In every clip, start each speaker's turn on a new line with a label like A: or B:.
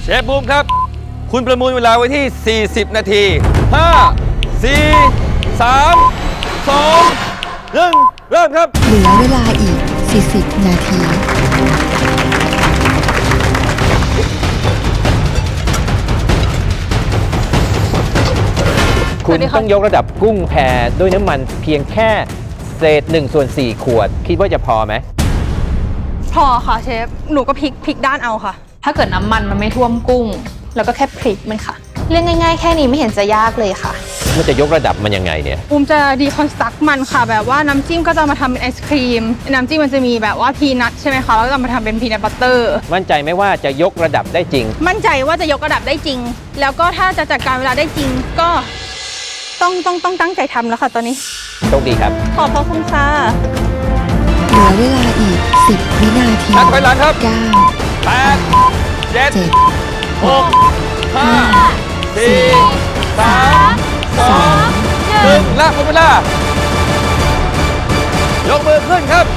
A: เชฟบูมครับคุณประมูลเวลาไว้ที่ 40 นาที 5 4 3 2 1 เริ่มครับ
B: เหลือเวลาอีก 40 นาที
C: คุณต้องยกระดับกุ้งแพด้วยน้ำมันเพียงแค่เศษ1/4 ขวด คิดว่าจะพอไหม
D: พอค่ะเชฟ หนูก็พลิกด้านเอาค่ะ
E: ถ้าเกิดน้ำมันมันไม่ท่วมกุ้ง แล้วก็แค่พลิกมันค่ะ เรื่องง่ายๆแค่นี้ไม่เห็นจะยากเลยค่ะ
C: มันจะยกระดับมันยังไงเนี่ย
D: บูมจะดีคอนสตรักมันค่ะ แบบว่าน้ำจิ้มก็จะมาทำเป็นไอศครีม น้ำจิ้มมันจะมีแบบว่าพีนัทใช่ไหมคะ แล้วก็จะมาทำเป็นพีนัทบัตเตอร์
C: มั่นใจไหมว่าจะยกระดับได้จริง
D: มั่นใจว่าจะยกระดับได้จริง แล้วก็ถ้าจะจัดการเวลาได้จริง ก็ต้องตั้งใจทำแล้วค่ะตอนนี้
C: โชคดีครับ
D: ขอบพระคุณค่ะ
B: เหลือเวลาอีก 10 วินาที
A: นับถอยหลังครับ
B: 9
A: 8 7
B: 7
A: 6 5 4 3 2 1และหมดเวลายกมือขึ้นครับ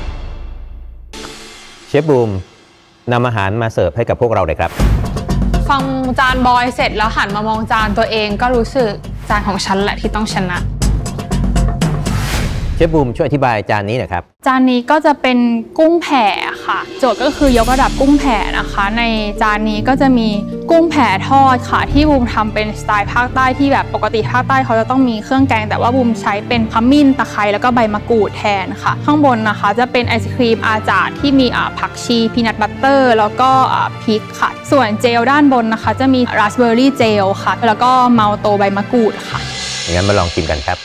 C: เชฟบูมนำอาหารมาเสิร์ฟให้กับพวกเราเลยครับ
E: ฟังจานบอยเสร็จแล้วหันมามองจานตัวเองก็รู้สึกจานของฉันแหละที่ต้องชนะ
C: เชฟบูมช่วยอธิบายจานนี้หน่อยครับ
E: จานนี้ก็จะเป็นกุ้งแผ่ค่ะ โจทย์ก็คือยกระดับกุ้งแผ่นะคะ ในจานนี้ก็จะมีกุ้งแผ่ทอดค่ะที่บูมทำเป็นสไตล์ภาคใต้ที่แบบปกติภาคใต้เขาจะต้องมีเครื่องแกงแต่ว่าบูมใช้เป็นขมิ้นตะไคร้แล้วก็ใบมะกรูดแทนค่ะ ข้างบนนะคะจะเป็นไอศครีมอาจาดที่มีผักชีพีนัทบัตเตอร์แล้วก็พริกค่ะส่วนเจลด้านบนนะคะจะมีราสเบอร์รี่เจลค่ะแล้วก็เมาโตใบมะกรูดค่ะ
C: งั้นมาลองชิมกันครับ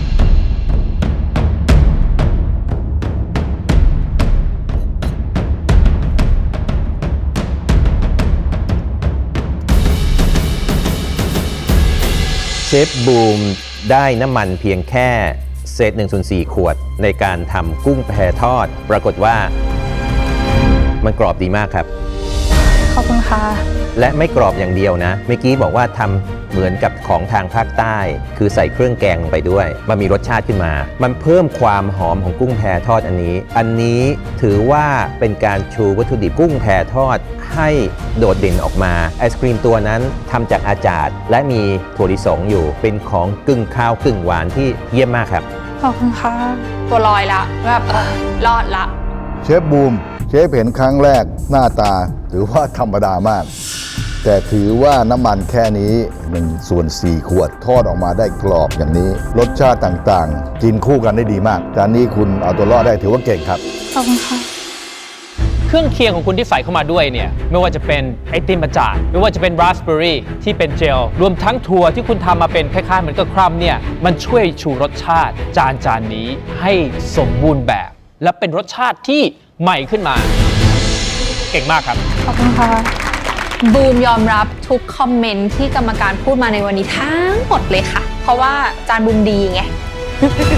C: เชฟบูมได้น้ำมันเพียงแค่เศษ1/4 ขวดในการทำกุ้งแพทอดปรากฏว่ามันกรอบดีมากครับ
E: ขอบคุณค่ะ
C: และไม่กรอบอย่างเดียวนะเมื่อกี้บอกว่าทำเหมือนกับของทางภาคใต้คือใส่เครื่องแกงลงไปด้วยมันมีรสชาติขึ้นมามันเพิ่มความหอมของกุ้งแพทอดอันนี้ถือว่าเป็นการชูวัตถุดิบกุ้งแพทอดให้โดดเด่นออกมาไอศครีมตัวนั้นทำจากอาจาดและมีถั่วลิสงอยู่เป็นของกึ่งข้าวกึ่งหวานที่เยี่ยมมากครับ
E: ขอบคุณค่ะตัวลอยละแบบรอดละ
F: เชฟบูมเชฟเห็นครั้งแรกหน้าตาถือว่าธรรมดามาก แต่ถือว่าน้ำมันแค่นี้1/4 ขวดทอดออกมาได้กรอบอย่างนี้รสชาติต่างๆกินคู่กันได้ดีมากจานนี้คุณเอาตัวรอดได้ถือว่าเก่งครับ
E: ขอบคุณค่ะ
G: เครื่องเคียงของคุณที่ใส่เข้ามาด้วยเนี่ยไม่ว่าจะเป็นไอติมอาจารย์ไม่ว่าจะเป็นราสเบอร์รี่ที่เป็นเจลรวมทั้งถั่วที่คุณทำมาเป็นคล้ายๆเหมือนกับครัมเนี่ยมันช่วยชูรสชาติจานนี้ให้สมบูรณ์แบบและเป็นรสชาติที่ใหม่ขึ้นมาเก่งมากครับ
E: ขอบคุณค่ะบูมยอมรับทุกคอมเมนต์ที่กรรมการพูดมาในวันนี้ทั้งหมดเลยค่ะเพราะว่าจานบูมดีไง